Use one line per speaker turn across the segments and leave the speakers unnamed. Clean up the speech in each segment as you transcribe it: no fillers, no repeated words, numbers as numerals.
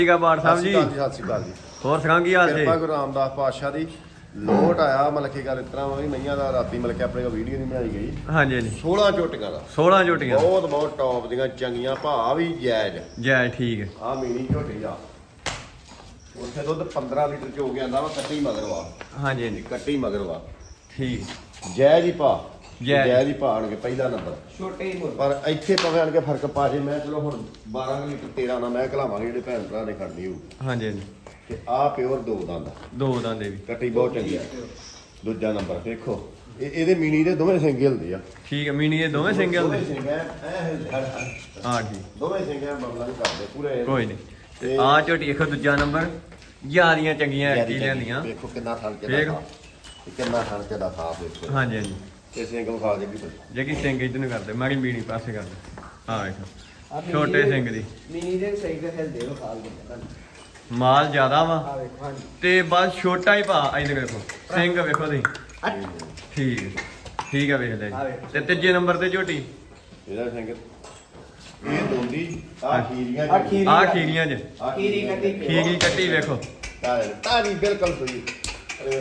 ਠੀਕ ਆ ਬਾੜ ਸਾਹਿਬ ਜੀ।
ਸਤਿ ਸ਼੍ਰੀ ਅਕਾਲ ਜੀ।
ਹੋਰ ਸੁਣਾ ਕੀ ਹਾਲ ਜੀ?
ਕਿਰਪਾ ਗੁਰੂ ਰਾਮਦਾਸ ਪਾਤਸ਼ਾਹ ਦੀ। ਲੋਟ ਆਇਆ ਮਤਲਬ ਕਿ ਗੱਲ ਇਸ ਤਰ੍ਹਾਂ ਵੀ ਮਈਆਂ ਦਾ ਰਾਤੀ ਮਤਲਬ ਕਿ ਆਪਣੇ ਕੋਲ ਵੀਡੀਓ ਨਹੀਂ ਬਣਾਈ ਗਈ।
ਹਾਂਜੀ ਹਾਂਜੀ
16 ਝੋਟੀਆਂ ਦਾ
16 ਝੋਟੀਆਂ
ਬਹੁਤ ਟੌਪ ਦੀਆਂ ਚੰਗੀਆਂ ਭਾਅ ਵੀ ਜਾਇਜ਼।
ਜੈ ਠੀਕ ਹੈ।
ਆ ਮੀਨੀ ਝੋਟੀ ਆ ਉੱਥੇ ਦੁੱਧ 15 ਲੀਟਰ ਚ ਹੋ ਗਿਆ ਆਂਦਾ ਵਾ ਕੱਟੀ ਮਗਰ ਵਾ।
ਹਾਂਜੀ ਹਾਂਜੀ
ਕੱਟੀ ਮਗਰ ਵਾ
ਠੀਕ
ਜਾਇਜ਼ ਹੀ ਭਾਅ
ਜਾਇਜ਼।
ਜਾਇਜ਼ ਹੀ ਭਾਅ ਆਣਗੇ ਪਹਿਲਾ ਨੰਬਰ
ਛੋਟੇ ਹੀ ਮੁੱਲ
ਪਰ ਇੱਥੇ ਭਾਵੇਂ ਆਣ ਕੇ ਫਰਕ ਪਾ ਜੇ। ਮੈਂ ਚਲੋ ਹੁਣ 12 ਲੀਟਰ 13 ਨਾ ਮੈਂ ਘਲਾਵਾਂਗੇ ਜਿਹੜੇ ਭੈਣ ਭਰਾ ਨੇ ਖੜਨੀ ਹੋਊ।
ਹਾਂਜੀ ਹਾਂਜੀ
ਤੇ ਆ ਪਿਓਰ ਦੋ ਦੰਦ
ਦੋ ਦੰਦੇ ਵੀ
ਕੱਟੀ ਬਹੁਤ ਚੰਗੀ ਆ। ਦੂਜਾ ਨੰਬਰ ਦੇਖੋ ਇਹਦੇ ਮੀਨੀ ਦੇ ਦੋਵੇਂ ਸਿੰਘ ਹਿਲਦੇ ਆ।
ਠੀਕ ਹੈ। ਮੀਨੀ ਇਹ ਦੋਵੇਂ ਸਿੰਗਲ
ਦੋਵੇਂ
ਦੇ?
ਸਿੰਘ ਐ
ਹਾਂ ਠੀਕ
ਦੋਵੇਂ ਸਿੰਘ ਐ ਬਬਲਾ ਨਹੀਂ ਕਰਦੇ ਪੂਰੇ।
ਕੋਈ ਨਹੀਂ। ਤੇ ਆ ਝੋਟੀ ਦੇਖੋ ਦੂਜਾ ਨੰਬਰ ਯਾਰੀਆਂ ਚੰਗੀਆਂ ਐਕੀ ਲੈਂਦੀਆਂ।
ਦੇਖੋ ਕਿੰਨਾ ਥਣ ਕੇ
ਫੇਰ?
ਦਾ ਕਿੰਨਾ ਥਣ ਕੇ ਦਾ ਸਾਫ ਦੇਖੋ।
ਹਾਂਜੀ ਹਾਂਜੀ
ਇਹ ਸਿੰਘ ਵਿਖਾ ਦੇ ਵੀ
ਜੇ ਕੀ ਸਿੰਘ ਇਧਰ ਨੂੰ ਕਰਦੇ ਮਾਰੀ ਮੀਣੀ ਪਾਸੇ ਕਰਦੇ। ਹਾਂ ਵੇਖੋ ਛੋਟੇ ਸਿੰਘ ਦੀ
ਮਿਨੀ ਦੇ ਸਹੀ ਤੇ ਹਿਲਦੇ ਹੋ ਖਾਲ ਦੇ
ਮਾਲ ਜ਼ਿਆਦਾ ਵਾ
ਆ ਵੇਖੋ ਹਾਂਜੀ
ਤੇ ਬਸ ਛੋਟਾ ਹੀ ਭਾ ਇਧਰ ਵੇਖੋ ਸਿੰਘ ਵੇਖੋ ਤੁਸੀਂ। ਠੀਕ ਹੈ ਠੀਕ ਹੈ ਵੇਖ ਲੈ ਜੀ। ਤੇ ਤੀਜੇ ਨੰਬਰ ਤੇ ਝੋਟੀ
ਇਹਦਾ ਸਿੰਘ ਇਹ ਦੋਂਦੀ ਆ ਖੀਰੀਆਂ
ਆਹ ਖੀਰੀ।
ਆ ਖੀਰੀਆਂ ਚ
ਖੀਰੀ ਕੱਟੀ
ਖੀਰੀ ਕੱਟੀ ਵੇਖੋ।
ਤਾਰੀ ਬਿਲਕੁਲ ਸਹੀ। ਅਰੇ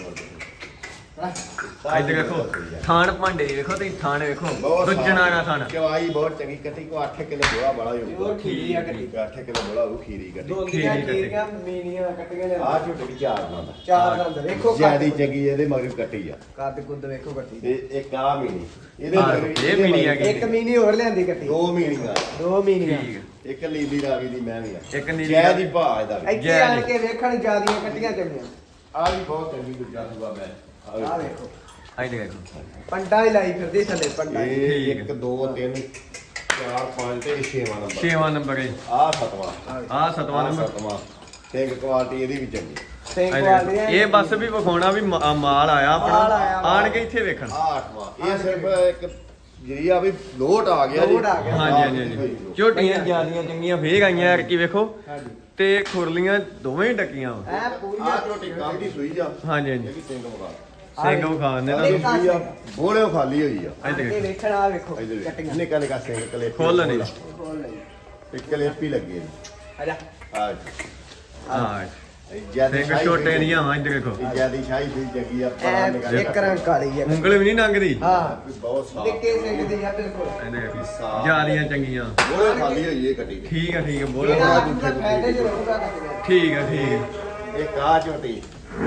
ਇੱਧਰ ਵੇਖੋ ਥਾਣ ਭਾਂਡੇ ਵੇਖੋ ਤੁਸੀਂ ਥਾਣ ਵੇਖੋ ਦੁੱਜਣਾ ਨਾ ਥਾਣ।
ਚਵਾਈ ਬਹੁਤ ਚੰਗੀ ਕੱਟੀ ਕੋ 8 ਕਿਲੋ ਬੋਲਾ ਬੜਾ ਹੀ ਹੋਊਗਾ।
ਉਹ ਖੀਰੀ ਆ ਕੱਟੀ
8 ਕਿਲੋ ਬੋਲਾ ਉਹ ਖੀਰੀ ਕੱਟੀ।
ਦੋਂਦੀਆਂ
ਖੀਰੀ ਕੱਟੀ।
ਖੀਰੀਆਂ ਮੀਨੀਆਂ ਕੱਟੀਆਂ ਨੇ
ਆ ਝੋਟੇ ਦੀ ਚਾਰ ਦੰਦ
ਚਾਰ ਦੰਦ ਵੇਖੋ
ਜਿਆਦੀ ਚੰਗੀ ਇਹਦੇ ਮਗਰ ਕੱਟੀ ਆ।
ਕੱਦ ਕੁੱਦ ਵੇਖੋ ਕੱਟੀ
ਤੇ ਇੱਕ ਆ ਮੀਨੀ ਇਹਦੇ
ਹਾਂ,
ਮਗਰ
ਇਹ ਮੀਨੀ ਆ ਗਈ।
ਇੱਕ ਮੀਨੀ ਹੋਰ ਲਿਆਂਦੀ ਕੱਟੀ
ਦੋ ਮੀਨੀਆਂ
ਦੋ ਮੀਨੀਆਂ
ਠੀਕ ਹੈ।
ਇੱਕ ਨੀਲੀ ਰਾਵੀ ਦੀ ਮੈਂ ਵੀ ਆ।
ਇੱਕ ਨੀਲੀ
ਜੈ ਦੀ ਭਾਅ ਇਹਦਾ ਵੀ।
ਇੱਥੇ ਆਣ ਕੇ ਵੇਖਣ ਜਿਆਦੀਆਂ ਕੱਟੀਆਂ ਚੰਗੀਆਂ
ਆ ਵੀ ਬਹੁਤ ਚੰਗੀ ਦੂਜਾ ਸੂਆ ਮੈਂ
ਆ ਵੇਖੋ
ਇੱਧਰ ਵੇਖੋ
ਪੰਡਾ ਹੀ ਲਾਈ ਫਿਰਦੀ ਥੱਲੇ ਪੰਡਾ ਹੀ।
ਇਹ 1 2 3 4 5 ਤੇ 6ਵਾਂ ਨੰਬਰ।
6ਵਾਂ ਨੰਬਰ ਹੈ।
ਆ 7ਵਾਂ
ਆ 7ਵਾਂ ਨੰਬਰ।
7ਵਾਂ ਤੇ ਕੁਆਲਿਟੀ ਇਹਦੀ ਵੀ ਚੰਗੀ।
ਸਿੰਘ
ਇੱਧਰ
ਵਾਲੇ
ਵੇਖੋ। ਇਹ ਬਸ ਵੀ ਵਿਖਾਉਣਾ ਵੀ ਮਾਲ ਆਇਆ
ਮਾਲ ਆਇਆ
ਆਪਣਾ
ਵਾ।
ਆਣ ਕੇ ਇੱਥੇ ਵੇਖਣ।
ਆ 8ਵਾਂ ਇਹ ਸਿਰਫ ਇੱਕ ਜਿਹੜੀ ਆ ਵੀ ਲੋਟ ਆ ਗਿਆ ਜੀ।
ਲੋਟ ਆ ਗਿਆ।
ਹਾਂਜੀ ਹਾਂਜੀ ਹਾਂਜੀ ਝੋਟੀਆਂ ਜਿਆਦੀਆਂ ਚੰਗੀਆਂ ਫੇਰ ਆਈਆਂ ਯਾਰ ਕੀ ਵੇਖੋ
ਹਾਂਜੀ
ਤੇ ਖੁਰਲੀਆਂ ਦੋਵੇਂ ਹੀ ਡੱਕੀਆਂ ਵਾ।
ਐ
ਆ
ਪੂਰੀਆਂ
ਝੋਟੀ ਕੰਮ ਦੀ ਸੂਈ ਆ।
ਹਾਂਜੀ ਹਾਂਜੀ
ਇਹਦੀ ਸਿੰਘ ਮਗਾ
ਸਿੰਘ ਵਿਖਾ ਦਿੰਦੇ
ਇੱਕ
ਨਾ
ਆ
ਸੂਈ ਆ ਬੋਲੇ ਖਾਲੀ ਹੋਈ ਆ।
ਇੱਧਰ
ਇਹ
ਵੇਖੋ।
ਵੇਖਣ ਆ ਵੇਖੋ
ਇਹਦੇ
ਕੱਟੀਆਂ
ਨਿੱਕਾ ਨਿੱਕਾ ਸਿੰਘ ਕਲੇਪੀ
ਖੋਲ ਨਹੀਂ।
ਖੋਲ ਲਈ
ਇੱਕ ਕਲੇਪੀ ਲੱਗੀ ਇਹਦੀ।
ਆਜਾ
ਆ
ਹਾਂ
ਜਿਆਦੀ
ਸਿੰਘ ਛੋਟੇ ਨਹੀਂ ਆ ਇੱਧਰ ਵੇਖੋ।
ਜਿਆਦੀ ਸ਼ਾਹੀ ਸੂਈ ਜੱਗੀ ਆ
ਐ ਇੱਕ ਰੰਗ ਕਾਲੀ ਆ
ਉਂਗਲ ਵੀ ਨਹੀਂ ਲੰਘਦੀ।
ਹਾਂ
ਬਹੁਤ ਸਾਫ
ਨਿੱਕੇ ਸਿੰਘ ਦੀ ਆ ਬਿਲਕੁਲ
ਇੱਧਰ ਵੇਖੋ ਜਿਆਦੀਆਂ ਚੰਗੀਆਂ।
ਬੋਲੇ ਖਾਲੀ ਹੋਈ ਇਹ ਕੱਟੀ
ਠੀਕ ਆ ਠੀਕ ਆ ਬੋਲੋ।
ਇਹਦਾ ਆਪਣਾ ਫਾਇਦੇ ਚ ਰਹੂਗਾ ਕੱਟੀਆਂ
ਠੀਕ ਆ ਠੀਕ ਆ।
ਇਹ ਕਾ ਝੋਟੀ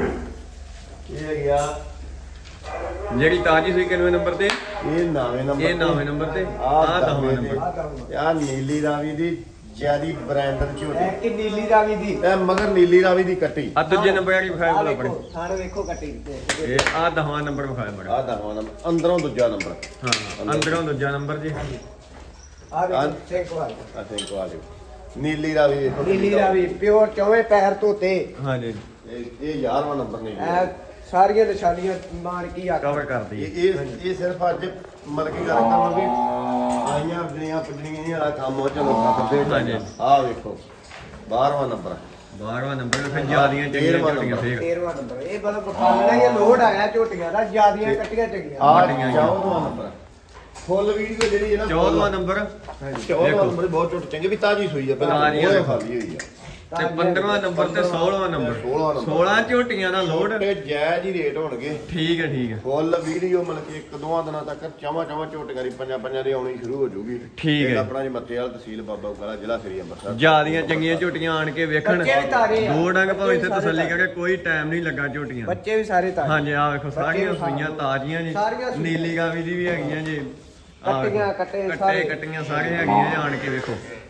ਇਹ ਗਿਆ
ਜਿਹੜੀ ਤਾਜੀ ਸੂਈ ਕਿੰਨਵੇਂ ਨੰਬਰ ਤੇ?
ਇਹ 9ਵੇਂ ਨੰਬਰ
ਇਹ 9ਵੇਂ ਨੰਬਰ ਤੇ
ਆ
ਆ 10ਵੇਂ ਨੰਬਰ।
ਆ ਦਊਂਗਾ
ਆ ਨੀਲੀ ਰਾਵੀ ਦੀ ਜਿਆਦੀ ਬ੍ਰਾਂਡਰ
ਐ
ਝੋਟੀ
ਕਿ ਨੀਲੀ ਰਾਵੀ ਦੀ
ਇਹ ਮਗਰ ਨੀਲੀ ਰਾਵੀ ਦੀ ਕੱਟੀ
ਆ ਦੂਜੇ ਨੰਬਰ ਵਾਲੀ ਵਿਖਾਇਆ
ਆ
ਬੋਲ ਆਪਣੇ।
ਵੇਖੋ ਥਾਣ ਵੇਖੋ ਕੱਟੀ
ਇਹ ਆ 10ਵਾਂ ਨੰਬਰ ਵਿਖਾਇਆ ਬੜਾ।
ਆ 10ਵਾਂ ਨੰਬਰ ਅੰਦਰੋਂ ਦੂਜਾ ਨੰਬਰ।
ਹਾਂ ਅੰਦਰੋਂ ਦੂਜਾ ਨੰਬਰ ਜੀ।
ਆ ਵੇਖੋ ਸਿੰਘ ਵਾਲੀ
ਆ ਥਿੰਕ ਆ ਜਾਓ ਨੀਲੀ ਰਾਵੀ ਵੇਖੋ
ਨੀਲੀ ਰਾਵੀ ਪਿਓਰ ਚੌਵੇਂ ਪੈਰ ਧੋਤੇ
ਹਾਂਜੀ
ਇਹ 11ਵਾਂ ਨੰਬਰ ਨੀਲੀ
ਐ
ਰਾਵੀ।
ਸਾਰੀਆਂ ਨਿਸ਼ਾਨੀਆਂ ਮਾਰ ਕੀ ਆ
ਕਵਰ ਕਰਦੀ ਹੈ।
ਇਹ ਸਿਰਫ ਅੱਜ ਮਤਲਬ ਕੀ ਗੱਲ ਕਰਾਂ ਵੀ ਆਈਆਂ ਜਿਹੜੀਆਂ ਪਜਣੀਆਂ ਇਹ ਵਾਲਾ ਕੰਮ ਹੋ ਚਲੋ ਕਰਦੇ
ਹਾਂਜੀ।
ਆ ਵੇਖੋ 12ਵਾਂ ਨੰਬਰ
12ਵਾਂ ਨੰਬਰ ਫਿਰ ਜਿਆਦੀਆਂ ਚੰਗੀਆਂ
13ਵਾਂ
ਝੋਟੀਆਂ
ਨੰਬਰ।
ਫੇਰ
13ਵਾਂ ਨੰਬਰ ਇਹ ਮਤਲਬ ਬਖਾਨਾ ਇਹ ਲੋਡ ਆਇਆ ਝੋਟੀਆਂ ਦਾ ਜਿਆਦੀਆਂ ਕੱਟੀਆਂ ਚੰਗੀਆਂ
ਆ
ਵੱਡੀਆਂ ਹੀ ਆ।
14ਵਾਂ ਨੰਬਰ ਫੁੱਲ ਵੀਡੀਓ ਜਿਹੜੀ ਹੈ ਨਾ
14ਵਾਂ ਨੰਬਰ
14ਵਾਂ ਨੰਬਰ ਬਹੁਤ ਝੋਟੀ ਚੰਗੀ ਵੀ ਤਾਜੀ ਸੂਈ ਆ
ਤਾਜ਼ੀ ਆ
ਉਹ
ਦੇਖੋ।
ਖਾਲੀ ਹੋਈ ਆ।
ਤੇ 15ਵਾਂ ਨੰਬਰ ਤੇ 16ਵਾਂ ਨੰਬਰ
16ਵਾਂ ਨੰਬਰ
16 ਝੋਟੀਆਂ ਦਾ ਲੋਡ।
ਤੇ ਜਾਇਜ਼ ਹੀ ਰੇਟ ਹੋਣਗੇ।
ਠੀਕ ਹੈ ਠੀਕ ਹੈ
ਫੁੱਲ ਵੀਡੀਓ ਮਤਲਬ ਕਿ ਇੱਕ ਦੋਵਾਂ ਦਿਨਾਂ ਤੱਕ ਚਾਵਾਂ ਝੋਟੀਆਂ ਦੀ ਪੰਜਾਂ ਦੀ ਆਉਣੀ ਸ਼ੁਰੂ ਹੋ ਜਾਊਗੀ।
ਠੀਕ ਹੈ।
ਆਪਣਾ ਜੀ ਮੱਤੇ ਵਾਲਾ ਤਹਿਸੀਲ ਬਾਬਾ ਉਕਾਲਾ ਜ਼ਿਲ੍ਹਾ ਸ੍ਰੀ ਅੰਮ੍ਰਿਤਸਰ।
ਜਿਆਦੀਆਂ ਚੰਗੀਆਂ ਝੋਟੀਆਂ ਆਣ ਕੇ ਵੇਖਣ।
ਬੱਚੇ ਵੀ ਤਾਰੇ ਆ।
ਦੋ ਡੰਗ ਭਾਵੇਂ ਇੱਥੇ
ਬੱਚੇ ਵੀ
ਤਸੱਲੀ
ਸਾਰੇ
ਕਰਕੇ ਕੋਈ ਟਾਈਮ ਨਹੀਂ ਲੱਗਾ ਝੋਟੀਆਂ।
ਬੱਚੇ ਵੀ ਸਾਰੇ ਤਾਰੇ
ਹਾਂਜੀ ਆ ਵੇਖੋ ਸਾਰੀਆਂ
ਬੱਚੇ ਵੀ
ਸੂਈਆਂ ਤਾਜ਼ੀਆਂ ਜੀ।
ਸਾਰੀਆਂ ਸੂਈਆਂ।
ਨੀਲੀ ਗਾਵੀ ਦੀ ਵੀ ਹੈਗੀਆਂ ਜੀ। ਆਹ
ਕੱਟੀਆਂ,
ਵੇਖੋ,
ਕੱਟੇ
ਕੱਟੇ
ਸਾਰੇ।
ਕੱਟੀਆਂ ਸਾਰੇ ਹੈਗੀਆਂ ਜੀ ਆਣ ਕੇ ਵੇਖੋ।